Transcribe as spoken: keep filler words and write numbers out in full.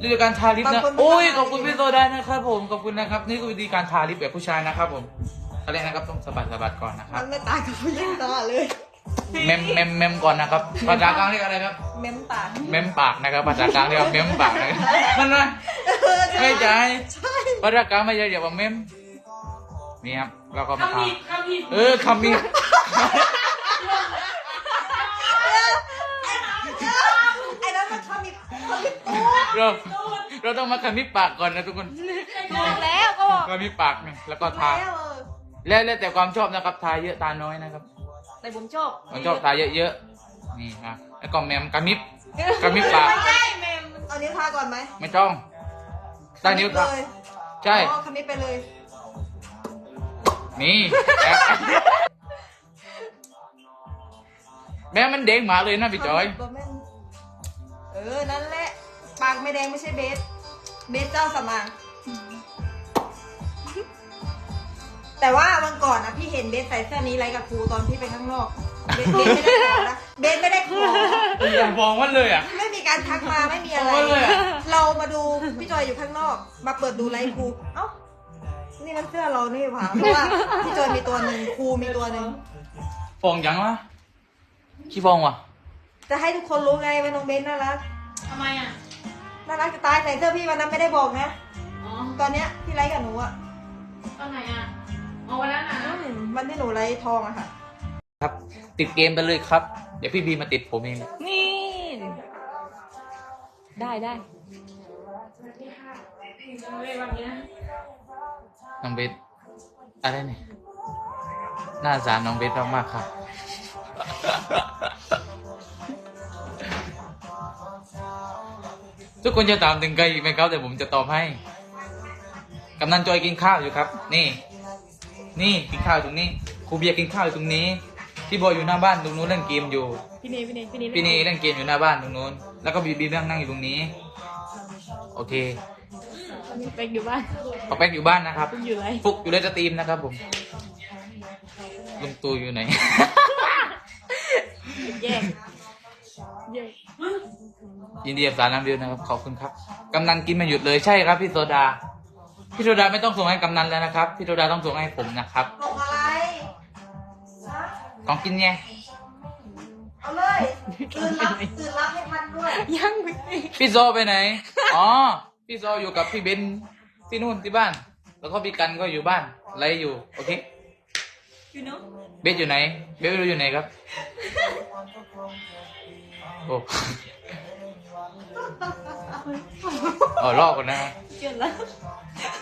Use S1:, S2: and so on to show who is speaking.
S1: วิธีการทาลิปนะโอ้ยขอบคุณพี่โซดานะครับผมขอบคุณนะครับนี่คือวิธีการทาลิปแบบผู้ชายนะครับผมอะไรนะครับต้องสะบัดสะบัดก่อนนะครับ
S2: มันไม่ต่างกับผู้หญิงตาเลย
S1: เมมเมมเมมก่อนนะครับภาษากลางเรียกอะไรครับ
S2: เม้มปาก
S1: เมมปากนะครับภาษากลางเรียกว่าเมมปากนะครับมันนะ
S2: เออ
S1: ไม่ใช่
S2: ใช่
S1: ภาษากลางไม่ใช่เรียกว่าเมมนี่ครับเราก็มาทา
S3: คำผิดคำผิด
S1: เออคำมี
S2: ไอ้นั้นมันชอบมีชอบมีตัว
S1: เราเราต้องมาคำมีปากก่อนนะทุกคน
S2: บอกแล้วก็บอก
S1: คำมีปากเนี่ยแล้วก็ทา
S2: แล้วเออ
S1: แล้วแล้วแต่ความชอบนะครับทาเยอะตาน้อยนะครับ
S2: แต่ผมชอบ
S1: ผมชอบทาเยอะๆนี่ครับแล้วก็แมมกระมิบกระมิบปาก
S2: ไม่ใช่เมมเอานิ้วทาก่อนไหม
S1: ไม่ต้องใต้นิ้ว
S2: เล
S1: ทาย ใช่
S2: อ๋อคำนี้ไปเลย
S1: นี่แอบแม่มันเด้งหมาเลยนะพี่จอย
S2: ตัวแม่นเออนั่นแหละปากไม่แดงไม่ใช่เบสเบสเจ้าสำอางแต่ว่าวันก่อนนะพี่เห็นเบสใส่เสื้อนี้ไรกับครูตอนพี่ไปข้างนอกเบสเบสไม่ได้ขอนะเบสไม่ได้ขอ
S1: อย่ามองมันเลยอ่ะ
S2: ไม่มีการทักมาไม่มีอะไร
S1: โอ้ยเลยอะ
S2: เรามาดูพี่จอยอยู่ข้างนอก มาเปิดดูไลฟ์ครูเอ้านี่มันเสื้อเรานี่หว่าเพราะว่าพี่จอยมีตัวหนึ่งครูมีตัวหนึ่ง
S1: ฟองยังวะขี้ฟองวะ
S2: จะให้ทุกคนรู้ไงว่าน้องเบสน่ารัก
S3: ทำไมอ่ะ
S2: น่ารักจะตายใส่เสื้อพี่วันนั้นไม่ได้บอกนะ
S3: อ๋อ
S2: ตอนเนี้ยที่ไลฟ์กับหนูอะ
S3: ตอนไหนอ่ะเอาวันนั้นนะ
S2: อืมวันที่หนูไลฟ์ทองอะค่ะ
S1: ครับ ติดเกมไปเลยครับ เดี๋ยวพี่บีมาติดผมเอง
S2: นี่ ได้ได้
S3: เลยวันนี้
S1: น้องเบสอะไรเนี่ยน่าสงสารน้องเบสมากๆครับ ทุกคนจะถามถึงใครอีกไหมครับแต่ผมจะตอบให้กำนันจอยกินข้าวอยู่ครับ นี่ นี่กินข้าวอยู่ตรงนี้ครูเบียร์กินข้าวอยู่ตรงนี้พี่บอยอยู่หน้าบ้านตรงนู้นเล่นเกมอยู่
S2: พี่เนยพี่เนยพี่เนย
S1: พี่นีเล่นเกมอยู่หน้าบ้านตรงนู้นแล้วก็บีบีนั่งนั่งอยู่ตรงนี้ โอเค
S2: ไปอยู่บ้าน
S1: ปอแป๊กอยู่บ้านนะครับ
S2: อยู่ไร
S1: ฟุกอยู่ในสตรีมนะครับผมลุงตูอยู่ไหน
S2: แย่แย่
S1: ยินดีกับสารน้ำเดียวนะครับขอบคุณครับกำนันกินไม่หยุดเลยใช่ครับพี่โซดาพี่โซดาไม่ต้องส่งให้กำนันแล้วนะครับพี่โซดาต้องส่งให้ผมนะครับ
S2: ส่งอะไรฮะ
S1: ของกินไง
S2: เอาเลยตื่นรับตื่นรับให้ทันด้วย ยังไม่
S1: พี่โซไปไหนอ๋อพี่โซอยู่กับพี่เบนที่นู่นที่บ้าน แล้วก็พี่กันก็อยู่บ้านไรอยู่โอเค
S2: อยู่เนาะ
S1: เบสอยู่ไหนเบสไม่รู้อยู่ไหนครับโอ้อ๋อลอกก่อนนะ
S2: เกินแล้ว